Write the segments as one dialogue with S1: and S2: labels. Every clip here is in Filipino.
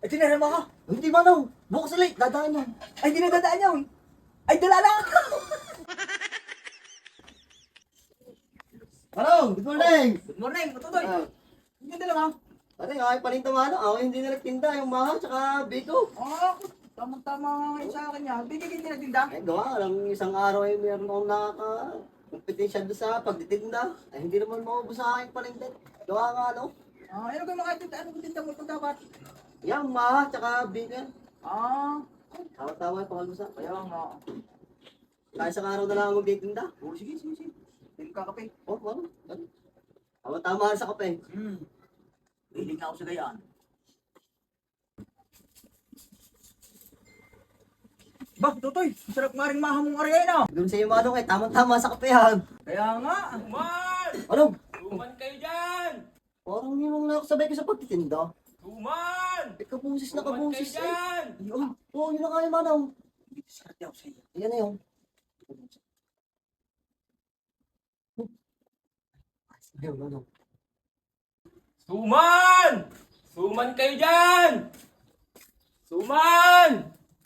S1: Ay, tinarama ka.
S2: Hindi Manong, bukas ulit, dadaan yan.
S1: Ay, hindi na dadaan yun. Ay, dala na.
S2: Manong, good morning!
S1: Good morning, Matutoy.
S2: Ah,
S1: Hindi dala ka.
S2: Pare, ay palinta Manong, ako hindi na nagtinda, yung Maha, tsaka Biko.
S1: Tamang-tama nga ngayon sa akin niya. Bigyan hindi nagtinda.
S2: Eh, gawa lang isang araw ay meron akong nakaka-competition doon sa pagtitinda. Ay, hindi naman maubos sa aking palinta. Gawa nga, ano?
S1: Ano kayo mga tinda? Ano tinda mo ito dapat?
S2: Yan, Maha, tsaka Biko yan. Tawa-tawa yung pangalmusa.
S1: Kaya nga.
S2: Kaya isang araw na lang ako magtitinda.
S1: Sige. Hindi ka kape.
S2: Oh, ano? Ano? Tama-tama sa kape.
S1: Hilig na ako sa gayaan. Ba, Tutoy, masarap nga rin mahamong arya na.
S2: Doon sa iyo, Manong, eh, tama-tama sa kape yan.
S1: Kaya nga.
S3: Tuman!
S2: Ano?
S3: Tuman kayo dyan!
S2: Parang yung nakasabay ko sa pagtitinda.
S3: Tuman!
S2: Eh, kabusis na
S3: Tuman kayo
S2: kabusis eh.
S3: dyan!
S2: Yun. Oo, yun na kaya, Manong.
S1: Sarap ako sa iyo.
S2: Yan na yun. Ayun, Manong.
S3: Tuman! Tuman kayo dyan! Tuman!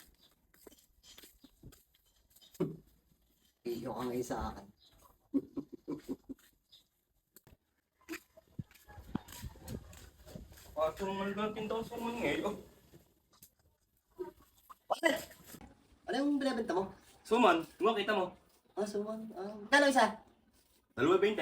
S2: Iyo ka ngayon sa akin.
S3: Pato naman natin daw sa mga ngayon.
S2: Bakit? Ano yung binibenta mo?
S3: Suman, kita mo.
S2: Suman. Kano isa?
S3: 2.20.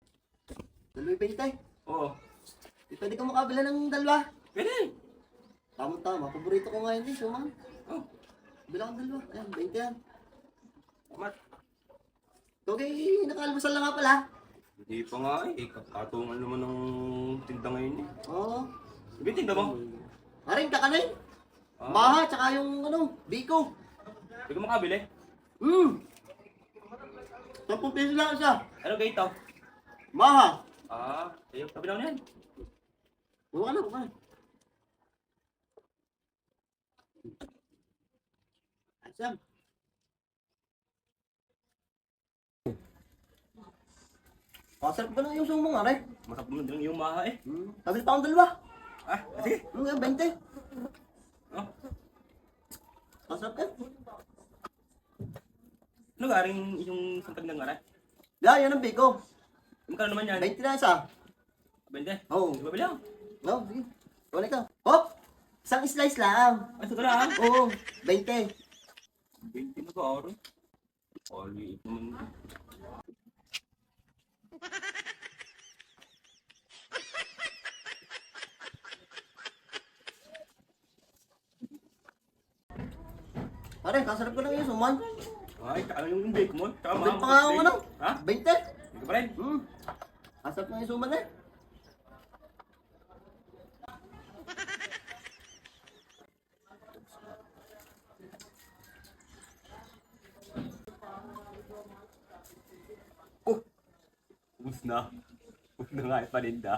S2: 2.20.
S3: Oo.
S2: Pwede ka makabila ng dalawa.
S3: Pwede.
S2: Tama-tama. Paborito ko ngayon din, suman.
S3: Oh,
S2: Bila kang dalawa. Ayan, 20 yan.
S3: tamat.
S2: Okay, nakaalmusal na nga pala.
S3: Hindi pa nga eh. Katungan naman ng tinda ngayon eh.
S2: Oo.
S3: Sabi tinda mo?
S2: Aring kakanin.
S3: Ah.
S2: Maha, tsaka yung Biko.
S3: Hindi ka makabili.
S2: 10 peso lang isa.
S3: Ano gayto?
S2: Maha.
S3: Ayaw. Tabi lang yan.
S2: Buka na, buka na. Asam. Pasarap ba na yung sumong, aray?
S3: Masarap mo din yung maha eh.
S2: Tabi pa akong dalawa.
S3: Sige.
S2: 20.
S3: Oh.
S2: Pasarap yan.
S3: Ano garing yung santag ng aray?
S2: Yan ang Biko.
S3: Magkano naman yan?
S2: 20 na isa.
S3: 20.
S2: Oo.
S3: Di ba bilang?
S2: No, sige. Wala ka. Hop! Isang slice lang.
S3: Ay, ito lang.
S2: Oo, 20.
S3: 20 na ba araw? Oli, ito naman.
S2: Pare, kasarap ko lang yung suman.
S3: Ay, ano yung bake mo? Tsaka
S2: Bait pa nga ako
S3: Ha?
S2: 20.
S3: Hindi ka pa rin?
S2: Kasarap na yung suman eh.
S3: Ubus na. Ubus na nga yung paninda.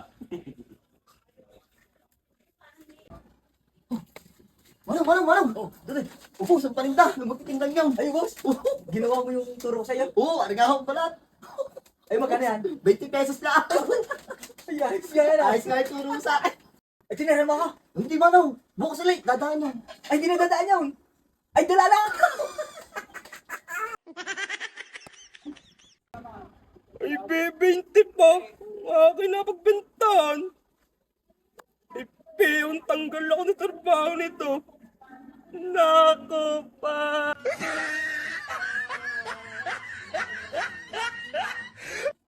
S2: Manong! Oh, dali. Ubus ang paninda. Magtitindang yan.
S1: Ay, boss. Ginawa mo yung turo ko sa'yo.
S2: Oo, arigahong pala.
S1: Ay, magkano yan?
S2: 20 pesos lang.
S1: Ay, ayos yan.
S2: Ayos nga yung turo sa akin.
S1: Ay, tinarama ka.
S2: Hindi Manong, bukas ulit, dadaan yan.
S1: Ay, hindi na dadaan yun. Ay, dala na.
S3: Ay, bebente pa. Akin na pagbentahan. Ay, peon, tanggal ako ng trabaho nito. Nako pa.